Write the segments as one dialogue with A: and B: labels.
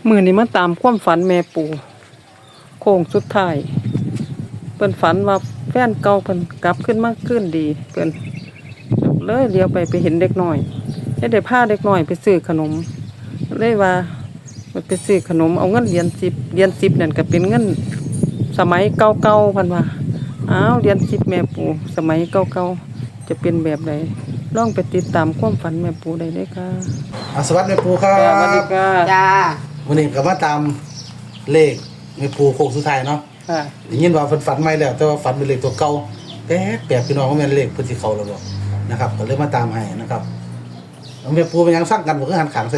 A: มื้อนี้มาตามความฝันแม่ปู่โค้งสุดท้ายเพิ่นฝันว่าแฟนเก่าเพิ่นกลับขึ้นมาคืนดีเพิ่นเลยเลี้ยวไปเห็นเด็กน้อยได้พาเด็กน้อยไปซื้อขนมเลยว่าไปซื้อขนมเอาเงินเหรียญ10นั่นก็เป็นเงินสมัยเก่าๆเพิ่นว่าอ้าวเหรียญ10แม่ปู่สมัยเก่าๆจะเป็นแบบใดลองไปติดตามความฝันแม่ปู่ได้เลยค่ะ
B: สวัสดีแม่ปูครั
A: สวัสดี
B: บ
A: ค่ะ
C: จ้า
B: วันนี้ก็มาตามเลขแม่ปูโค้งสุดท้ายเนาะ
A: ค่ะ
B: ได้ยินว่าเพิ่นฝันใหม่แล้วแต่ว่าฝันเป็นเลขตัวเก่าแปลกพี่น้องว่าแม่นเลขเพิ่นสิเข้าแล้วบ่นะครับก็เลยมาตามให้นะครับแล้วแม่ปูเป็นหยังสร้างกันบ่คือหันขางใส่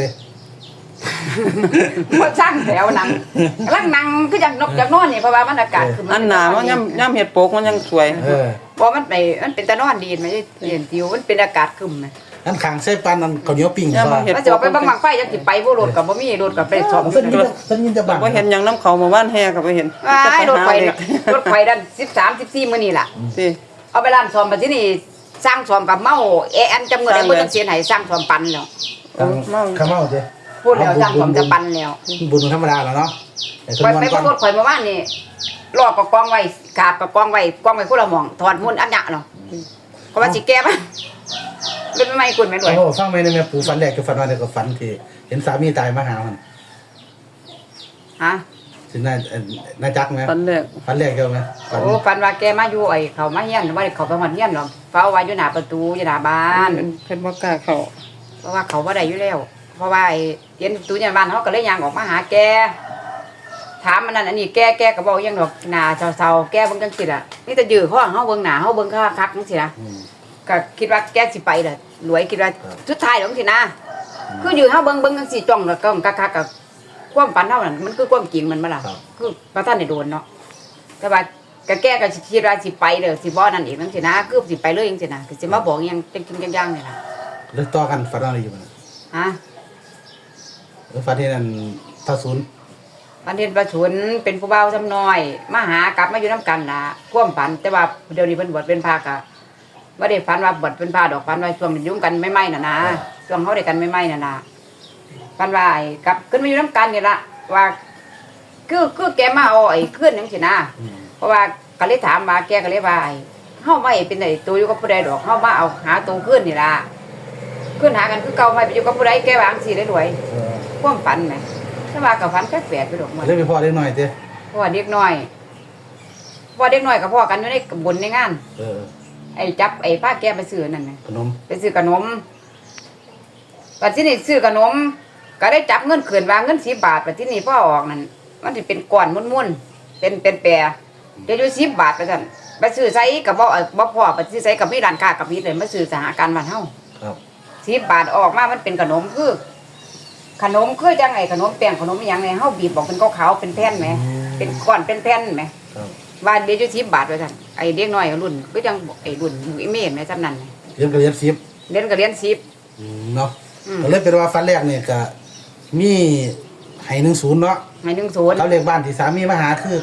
C: บ่สร้างแถวนั่งกำลังนั่งคือจังนกจังนอนนี่เพราะว่ามันอากาศคือ
A: อันหนามันย่ำเห็ดโปกมันยังสวย
C: บ่มันเป็นตะนอนดีมั้ยเย็นติวมันเป็นอากาศครึมมั้ย
B: หันขางใส่ปานนั้นข้าวเหนียวปิ้งว่า
C: ว่าจะออกไปบังไฟจังสิไปบ่รถก็บ่มีรถก็ไปซ่อม
B: เพิ่นยินจะบัง
A: บ่เห็นหยังน้ำเขามาบ้านแห่ก็บ่เห็น
C: อ้ายรถไฟดัน13 14มื้อนี่ล่ะ
A: สิ
C: เอาไปร้านซ่อมบัดที่นี่สร้างซ่อมกับเมาอันจำเงินได้บ่ต้องเสียให้สร้างซ่อมปันแล้ว
B: ข้าวเมาเด้
C: พูดแล้วสร้างซ่อมจะปันแล้ว
B: บุญธรรมดาแล้วเนาะแต่
C: ไป
B: เพิ่น
C: ไป
B: วัน
C: บ่
B: ก่อน
C: รถข่อยเมื่อวานนี่รอก็กองไว้กาบก็กองไว้คนละหม่องถอดมุ่นอันยะเนาะก็ว่าสิแก้มั้ยเป็นไม่คุณแม่ด้วย
B: โอ้ฟังไหมเนี่ยแม่ปูฝันแรกก็ฝันว่าแต่ก็ฝันที่เห็นสามีตายมาหามัน
C: ฮะ
B: สินายจักมั้ย
A: ฝันแรก
B: ฝันแรกเกี่ยวมั้ย
C: โอ้ฝันว่าแกมาอยู่ไอ้เขามาเฮียนว่าเขาไปหอดเฮียนหรอกเฝ้าไว้อยู่หน้าประตูอยู่หน้าบ้าน
A: เพิ่นบ่กล้าเข้า
C: เพราะว่าเขาบ่ได้อยู่แล้วเพราะว่าไอ้เห็นประตูอยู่หน้าบ้านเขาก็เลยย่างออกมาหาแกถามมันนั่นอันนี้แกก็บอกยังดอกหน้าเศร้าๆแกเบิ่งจังซี่ล่ะนี่แต่ยื้อเขาเฮาเบิ่งหน้าเฮาเบิ่งคักๆจังซี่นะก็คิดว่าแกสิไปล่ะรวยคิดว่าสุดท้ายแล้วจังซี่นะคือยื้อเฮาเบิ่งจังซี่จ้องแล้วก็คักๆกับความฝันเฮานั่นมันคือความจริงมันบ่ล่ะคือพระท่านได้โดนเนาะแต่ว่าก็แกก็คิดว่าสิไปเด้อสิบ่นั่นอีกจังซี่นะคือสิไปเลยจังซี่นะก็สิมาบอกอีหยังเป็นจริงจังๆนี่ล่ะ
B: แล้วต่อกันฝันอะไรอยู่มั้ย
C: ฮะ
B: ฝันที่นั่นพระศูนย์
C: ปันเทศประชุนเป็นผู้เบาทำน้อยมาหากลับมาอยู่น้ำกันล่ะความฝันแต่ว่าเดี๋ยวนี้เพิ่นบวชเป็นพระกะบ่ได้ฝันว่าบวชเป็นพระดอกฝันว่าช่วงยุ่งกันไม่ไหม้น่ะนะช่วงเฮาได้กันไม่ไหม้น่ะนะฝันว่าไอ้กลับขึ้นมาอยู่น้ำกันนี่ล่ะว่าคือแกมาเอาไอ้ขึ้นจังซี่นะเพราะว่าก็เลยถามว่าแกก็เลยว่าไอ้เฮาไม่เป็นไอ้ตัวอยู่กับผู้ใดดอกเฮามาเอาหาตัวขึ้นนี่ล่ะขึ้นหากันคือเก่าไม่ไปอยู่กับผู้ใดแกวาจังซี่ได้รวยความฝันแหมถ้าว่ากับฝันแปลกๆไปดอกมัน
B: เล่นไปพ่อได้หน่อยเจ้
C: พ่อเด็กน้อยกับพ่อกันอยู่ในบุญในงานไอ้จับไอ้ป้าแกไปซื้อนั่นน่ะ
B: ขนม
C: ไปซื้อขนมปัจจุบันซื้อขนมก็ได้จับเงินขืนวางเงิน10 บาทปัจจุบันพ่อออกนั่นมันสิเป็นก้อนม้วนๆเป็นแปรเดี๋ยวอยู่10 บาทไปซั่นไปซื้อไสก็บ่พอไปซื้อไสก็มีร้านค้ากับมีเลยมาซื้อสหการบ้านเฮา
B: ครับ
C: 10 บาทออกมามันเป็นขนมคือจังไงขนมแป้งขนมอหยังไงเฮาบีบบอกเป็นขาวๆเป็นแผ่นแหมเป็นก้อนเป็นแผ่นแหม
B: ครับ
C: ว่าเดี๋ยวอยู่10 บาทว่าซั่นไอ้เด็กน้อยรุ่นก็จังไอ้รุ่นไอ้เมฆแม่จำนั้น
B: เรียนก็เรียน10
C: เรียนก็เรียน
B: เนาะก็เลยเป็นว่าฝันแรกเนี่ยก็มีให้10เนาะ
C: 10ให้10
B: เขาเลขบ้านที่สามีมาหาคือ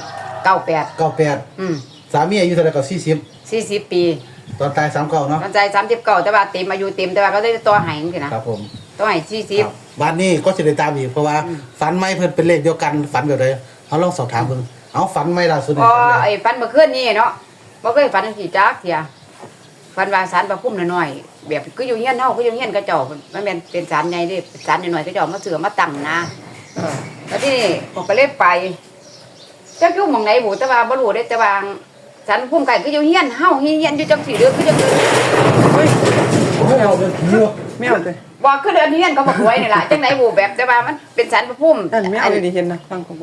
C: 98
B: 98สามีอายุเท่าไหร่ก็
C: 40 ปี
B: 40ตอนตาย39เนาะ
C: มันใจ39แต่ว่าเต็มอายุเต็มแต่ว่าก็ได้ต่อให้จังซี่นะครับ
B: ผม
C: ต่อให้40
B: บ้านนี้ก็จะได้ตามอีกเพราะว่าฝันไม่เพิ่นเป็นเลขเดียวกันฝันแบบใดเขาลองสอบถามเพิ่นเอาฝันไม่ล่าสุด
C: อ๋อไอ้ฝันเมื่อคืนนี้เนาะบ่เคยฝันจังซี่จักเที่ยฝันว่าศาลพระภูมิน้อยๆแบบคืออยู่เฮียนเฮาคืออยู่เฮียนกระเจ้ามันแม่นเป็นศาลใหญ่เด้ศาลน้อยๆกระเจ้ามาเสือมาตั้งนะแล้วที่นี่ผมก็เลยไปจักอยู่หม่องไหนบ่แต่ว่าบ่รู้เด้แต่ว่าศาลภูมิไก่คืออยู่เฮียนเฮาเฮียนอยู่จังซี่เด้อคือจังเฮ้ย
B: เอาเป็นผีวะ
A: แมวติ
C: บ่คือเดือนเฮียนเขาบ่รวยนี่ล่ะจังได๋บ่แบบแต่ว่ามันเป็นศาลพระภูมิ
A: นั่นแมวอยู่นี่เห็นนะฟังเขาบอก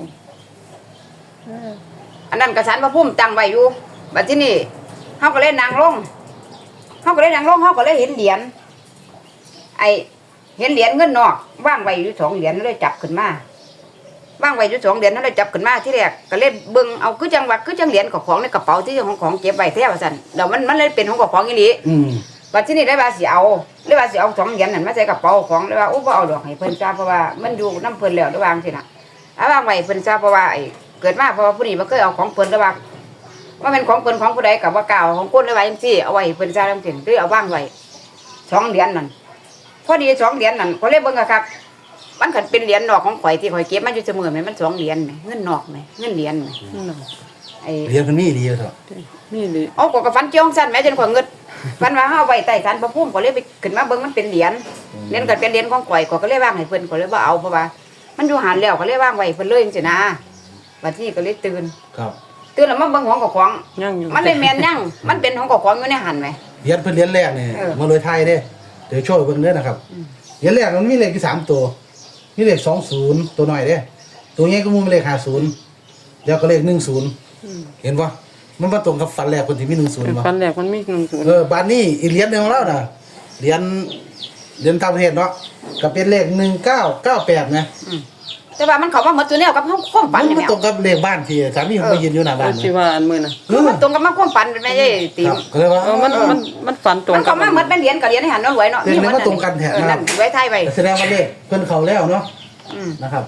C: อันนั้นก็ศาลพระภูมิตั้งไว้อยู่บัดที่นี่เฮาก็เลยนั่งลงเฮาก็เลยเห็นเหรียญไอ้เห็นเหรียญเงินนอกวางไว้อยู่2 เหรียญเลยจับขึ้นมาวางไว้อยู่2 เหรียญเลยจับขึ้นมาที่แรกก็เลยเบิ่งเอาคือจังว่าคือจังเหรียญของในกระเป๋าที่ของเก็บไว้แท้ว่าซั่นแล้วมันเลยเป็นของของอีหลี บัดที่นี่ได้ว่าสิเอา2 เหรียญนั่นมาใส่กระเป๋าของเลยว่าโอ้บ่เอาดอกให้เพิ่นจ้าเพราะว่ามันอยู่นำเพิ่นแล้วได้วาจังซี่น่ะเอาวางไว้เพิ่นจ้าเพราะว่าไอ้เกิดมาเพราะว่าผู้นี้บ่เคยเอาของเพิ่นได้ว่าเป็นของเพิ่นของผู้ใดก็บ่กล้าเอาของคนเลยว่าจังซี่เอาไว้ให้เพิ่นจ้าจังซี่หรือเอาวางไว้2 เหรียญนั่นพอดี2 เหรียญนั่นก็เลยเบิ่งอะครับมันขันเป็นเหรียญนอกของข่อยที่ข่อยเก็บมันอยู่เสมอไหมมัน2เหรียญไหมเงินนอกไหมเงินเหรียญไหมไอ้
B: เรียนเพิ่นมีดีเถอะ
A: นี่ดิ
C: เอาก็ฟันเจียงสั้นแม่จนข่อยเงิดฟันว่าเฮาไว้ใต้ศาลพระภูมิก็เลยไปขึ้นมาเบิ่งมันเป็นเหรียญเหรียญก็เป็นเหรียญของข่อยก็เลยวางให้เพิ่นก็เลยบ่เอาเพราะว่ามันอยู่หันแล้วก็เลยวางไว้เพิ่นเลยจังซี่นะบัดนี้ก็เลยตื่น
B: ครับ
C: ตื่นแล้วมาเบิ่งของกับของ
A: ยังอยู่
C: มันเลยแม่นยังมันเป็นของกับของอยู่ในหันไหม
B: เรียนเพิ่นเรียนแรกนี่
C: เออ
B: มาเลยไทยเด้เดี๋ยวโชว์เบิ่งเด้อนะครับเรียนแรกมันมีเลขอยู่3ตัวมีเลข20ตัวน้อยเด้ตัวใหญ่ก็มีเลข50แล้วก็เลข10เห็นบ่มันมาตรงกับฝันแรกคนที่มี10บ่
A: ฟันแรกมันมี10
B: บ้านนี้อีกเหรียญหนึงของเราน่ะเหรียญต่างประเทศเนาะก็เป็นเลข1998นะ
C: แต่ว่ามันเข้ามาหมดตัวแนวกับเฮาความฝัน
B: มัน
C: นี่แห
B: มา
C: ละ
B: ตรงกับเลขบ้านที่สามีผมไปยืนอยู่หน้าบ้าน
A: ที่ว่าอันมื้อน่ะ
C: คือมันตรงกับมันความฝันเป็นแม่ใช่ติ
B: ครับก็เลยว่า
A: มันฝันตรง
C: มัน
A: กั
C: เข้ามาหมดเป็นเหรียญกับเหรียญในหันเนาะรวยเนาะ
B: เรียนมาตรงกันแท้
C: นั่นไว้ไทยไว้
B: แสดงว่าเลขเพิ่นเข้าแล้วเนาะ
C: อืม
B: นะครับ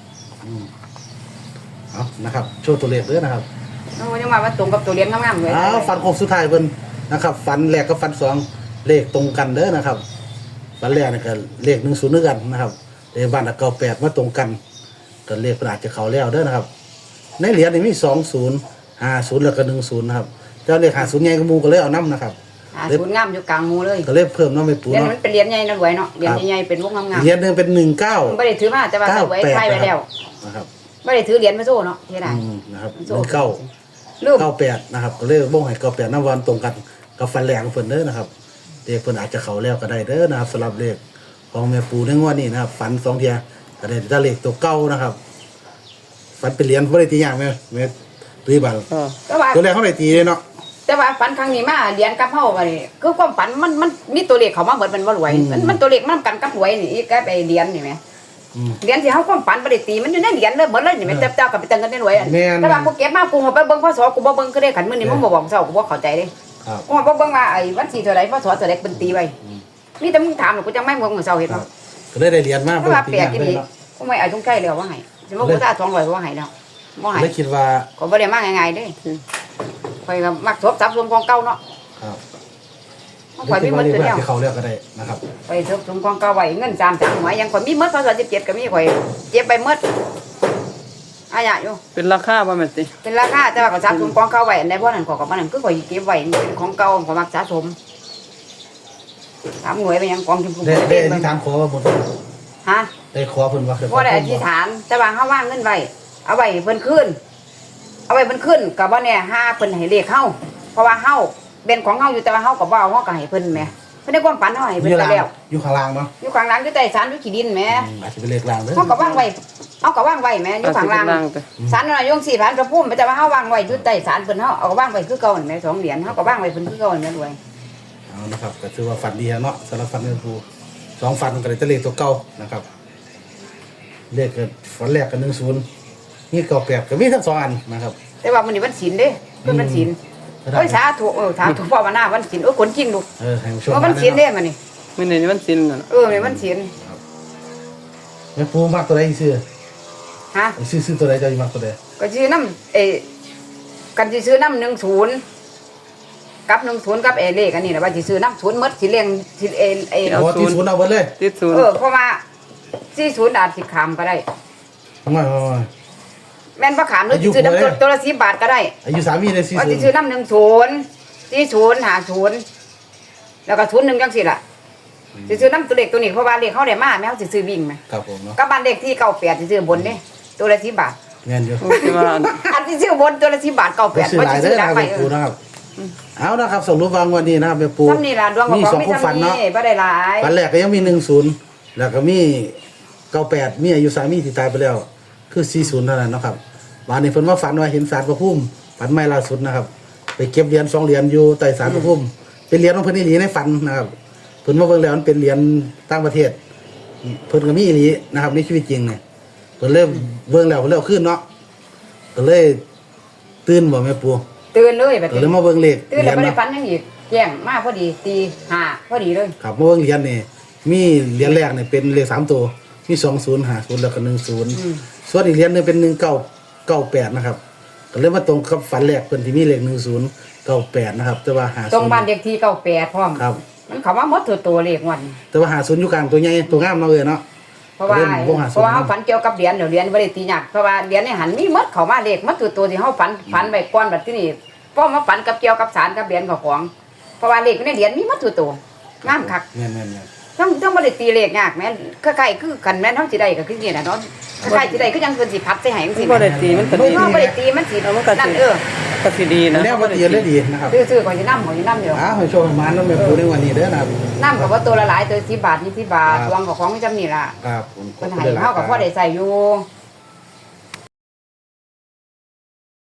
B: เอานะครับโชว์ตัวเลขเด้อนะครับ
C: โอ้ยังว่าตรงกับตัวเหรียญงามๆเลย
B: ฟันโค้งสุดท้ายเพิ่นนะครับ ฟันแรกกับฟันสองเลขตรงกันเด้อนะครับฟันแรกนี่ก็เลข10ด้วยกันนะครับเลขบ้าน98มาตรงกันก็เลขเพิ่นอาจจะเข้าแล้วเด้อนะครับ ในเหรียญนี่มี20 50แล้วก็10นะครับเจ้าเลข50ใหญ่กว่าหมู่ก็เลยเอานำนะครับ
C: ศูนย์งามอยู่กลางหมู่เลย
B: ก็เลยเพิ่มเนาะไม่ปู
C: เหรียญ
B: เนาะ
C: มันเป็นเหรียญใหญ่นะรวยเนาะเหรียญใหญ่ๆเป็นวงงาม
B: เหรียญหนึงเป็น19
C: ๆมันบ่ได้ถือมาแต่ว่าเอาไว้ไทยไว้แล้ว
B: นะครับ
C: บ่ได้ถือเหรียญมาโซ่เนาะเฮ็ดได้
B: นะครับ
C: โซ่
B: 19
C: ลืม
B: 98นะครับก็เลยบ่งให้98นำวันตรงกันกับฟันแรงของเพิ่นเด้อนะครับเลขเพิ่นอาจจะเข้าแล้วก็ได้เด้อนะครับสำหรับเลขของแม่ปูในงวดนี้นะครับฝัน2เที่ยก็ได้แต่เลขตัวเก่านะครับฝันเป็นเหรียญบ่ได้ตีอย่างแม่ตีบัง
C: แต่ว่า
B: ตัวแรกเฮาได้ตีเลยเนาะ
C: แต่ว่าฝันครั้งนี้มาเหรียญกับเฮาว่านี่คือความฝันมันมีตัวเลขเข้ามาเหมือนมันบ่รวยมันตัวเลขมันกันกับหวยนี่อีกกับไอ้เหรียญนี่แหม เหรียญที่เฮาความฝันบ่ได้ตีมันอยู่ในเหรียญเลยหมดเลยนี่แม่เจ้าก็ไปตั้งกันได้รวยแต่ว่ากูเก็บมากูไปเบิ่งพศกูบ่เบิ่งคือได้ขันมื้อนี้มึงบ่บอกเจ้ากูบ่เข้าใจเด้
B: ครับ
C: กูบ่เบิ่งว่าไอ้วันที่เท่าใดพศเท่าใดเป็นตีไว้นี่แต่มึงถามกูจังไม่มึงมื้อเช้าเฮ็ด
B: ครั
C: บ่
B: บก็เลยได้เหรียญมา
C: เพราะว่า
B: ตี
C: แปล
B: อก ย่าง
C: อี
B: เล
C: หลี
B: ยเนาะ
C: กูไม่เอาจงใจแล้วว่าให้สิบ่กูตา200ว่าให้แล้วบ่ให้
B: เลยคิดว่า
C: ก็บ่ได้มาง่ายๆเด้ข่อยก็มักทบทรัพย์รวมของเก่าเนาะ
B: ครับ
C: ข่อยมีหมด
B: เล
C: ตัว
B: ข
C: เดียว
B: ที่เข้าแล้วก็ได้นะครับ
C: ไปทบรวมของเก่าไว้เงิน3หวยยังข่อยมีหมดพศ17ก็มีข่อยเก็บไปหมดอาญะอยู่
A: เป็นราคาบ่แม่นติ
C: เป็นราคาแต่ว่าก็สะสมของเก่าไว้อันใดบ่นั่นก็กับมันนั่นคือข่อยเก็บไว้เป็นของเก่าข่อยมักสะสมถามหน่วยไปยังกองทุนผู้
B: ได้
C: บริ
B: ได้
C: โภ
B: อธิษฐานขอว่าบ่
C: ฮะ
B: ได้ขอเพิ่นว่า
C: บ่ได้อธิษฐานแต่ว่าเฮาว่างเงินไว้เอาไว้เพิ่นคืนเอาไว้เพิ่นคืนก็บ่แน่ห้าเพิ่นให้เลขเฮาเพราะว่าเฮาเป็นของเฮาอยู่แต่ว่าเฮาก็บ่เอาเฮาก็ให้เพิ่นแหมเพิ่นได้ความฝันเฮาให้
B: อ
C: เพิ่น
B: ยู่
C: ไป
B: ล่าง
C: แล้ว
B: อยู่ข้างล่างเนาะ
C: อยู่ข้างหลังอยู่ใต้ศาลอยู่ขี้ดินแหม
B: อาจจะเป็นเลขล่างเด้อ
C: เฮาก็ว่างไว้เฮาก็ว่างไว้แหมอยู่ข้างหลัง
A: ไป
C: ศาลนายง4ล้านพระภูมิแต่ว่าเฮาว่างไว้อยู่ใต้ศาลเพิ่นเฮาเอาก็ว่างไว้คือเก่านั่นแหม2เหรียญเฮาก็ว่างไว้เพิ่นคือเก่านั่นแหมรวย
B: เอานะครับก็ถือว่าฝันดีเนาะสำหรับฝันแม่ปู2ฝันก็ได้แต่เลขตัวเก่านะครับเลขก็ฝันแรกก็10นี่98ก็มีทั้ง2อันนะครับ
C: แต่ว่ามื้อนี้วันศีลเด้เพิ่นวันศีลโอ้ยสาธุสาธุภาวนาวันศีลโอ้ยคนจริงลูก
B: ให้ผู้ชม
C: ว่าวันศีลเด้มื้อนี้
A: มื้อนี้วันศีลน่ะ
C: มื้อวันศีล
B: แม่ปูมักตัวใดซื้อ
C: ฮะ
B: ซื้อตัวใดเจ้าสิมักตัวใด
C: ก็ชื่อน้ำกันสิซื้อน้ำ10กับ10กับเลขอันนี้น่ะว่าสิซื้อน้ำ0หมดสิเลี้ยงสิ
B: เอาที่ศูนย์เอาเบิดเลย
A: ติดศูนย์
C: เพราะว่า40อาจสิขามก็ได้
B: ไม่
C: แม่นบ่ขามหรือสิซื้อน้ำตัวละ10บาทก็ได้
B: อายุสามีได้
C: ว่าสิซื้อน้ำ40 50แล้วก็01จังซี่ล่ะสิซื้อน้ำตัวเลขตัวนี้เพราะว่าเลขเฮาได้มาแม่เฮาสิซื้อวิ่งแม่
B: ครับผมเนาะ
C: กับบ้านเลขที่98สิซื้อบนเด้ตัวละ10บาท
B: เงินอยู่
A: โอ้ที่ว่าอัน
C: อันที่ซื้อบนตัวละ10บาท98
B: ซื้อหลาย
C: สิ
B: เด้
C: ซื้
B: อ
C: อหลั
B: นะ
C: ง
B: ค
C: ไป
B: รับปูนะครับเอานะครับสรุปวางวันนี้นะครับแม่ปู
C: ซ้ำนี่ล่ะดวงของ
B: มี
C: ของ
B: 2
C: มี
B: ความฝัน
C: ซ้ำ
B: เนาะ
C: นี่บ่ได้หลาย
B: ฝันแรกก็ยังมี10แล้วก็มี98มีอายุสามีที่ตายไปแล้วคือ40เท่านั้นเนาะครับวันนี้เพิ่นว่าฝันว่าเห็นศาลพระภูมิฝันใหม่ล่าสุดนะครับ ไปเก็บเหรียญ2เหรียญอยู่ใต้ศาลพระภูมิเป็นเหรียญของเพิ่นอีหลีในฝันนะครับเพิ่นมาเบิ่งแล้วมันเป็นเหรียญต่างประเทศเพิ่นก็มีอีหลีนะครับในชีวิตจริงเนี่ยเพิ่นเลยเบิ่งแล้วเพิ่นเลยเอาขึ้นเนาะก็เลยตื่นบ่แม่ปู
C: ตื่นเลยแบบ
B: ก็เลยมาเบิ่งเลข
C: ตื่น
B: เหรี
C: แล้
B: ยว ญ
C: บ่ได้
B: เนาะ
C: ฝันหยังอีกแจ้งมาพอดีตี5พอดีเลย
B: ครับมาเบิ่งเหรียญนี่มีเหรียญแรกเนี่ยเป็นเลข3ตัวมี2050แล้วก็10ส่วนอีกเหรียญหนึงเป็น1998นะครับก็เลยมาตรงกับฝันแรกเพิ่นที่มีเลข1098นะครับแต่ว่า50
C: ตรงบ้านเลขที่98พร้อม
B: ครับ
C: มันเข้ามาหมดตัวเลขวัน
B: แต่ว่า50อยู่กลางตัวใหญ่ตัวงามเนาะเอ้ยเนาะ
C: เพราะว่า
B: เล่นวงหา
C: เพ
B: ศูน
C: ราะว่า
B: ย์
C: เฮาฝันเกี่ยวกับเหรียญเดี๋ยวเหรียญบ่ได้ตียากเพราะว่าเหรียญในหันมีหมดเข้ามาเลขหมดตัวที่เฮาฝันไว้ก่อนบัดที่นี่พอมาฝันกับเกี่ยวกับสารกับเหรียญกับของเพราะว่าเลขในเหรียญมีหมดตัวงามคัก
B: แม่น
C: ต้องบ่ได้ตีเลขยากแม่นคล้ายๆคือกันแม่นเฮาสิได้ก็คือนี่น่ะเนาะคล้ายๆสิได้คือจังเพิ่นสิพัดใส่ให้จังซี่
A: บ่ได้ตีมันก็
C: เฮา
A: ดี
C: บ่ได้ตีมันสิ
A: เอามันก็สิ
C: นั่น
A: ก็สิดี
B: ๆ
A: นะ
B: แนวบ่ละเอียดเลยดีนะครับ
C: ซื้อๆก่อนสินำอยู่
B: ให้โชคให้มานำแม่ปูในวันนี้เด้อนะครับ
C: น้ำก็บ่ตัวละหลายตัว10 บาท20 บาท
B: ครับ
C: ดวงก็ของจำนี่ล่ะ
B: ครับผม
C: เพิ่นให้เฮาก็พอได้ใช้อยู่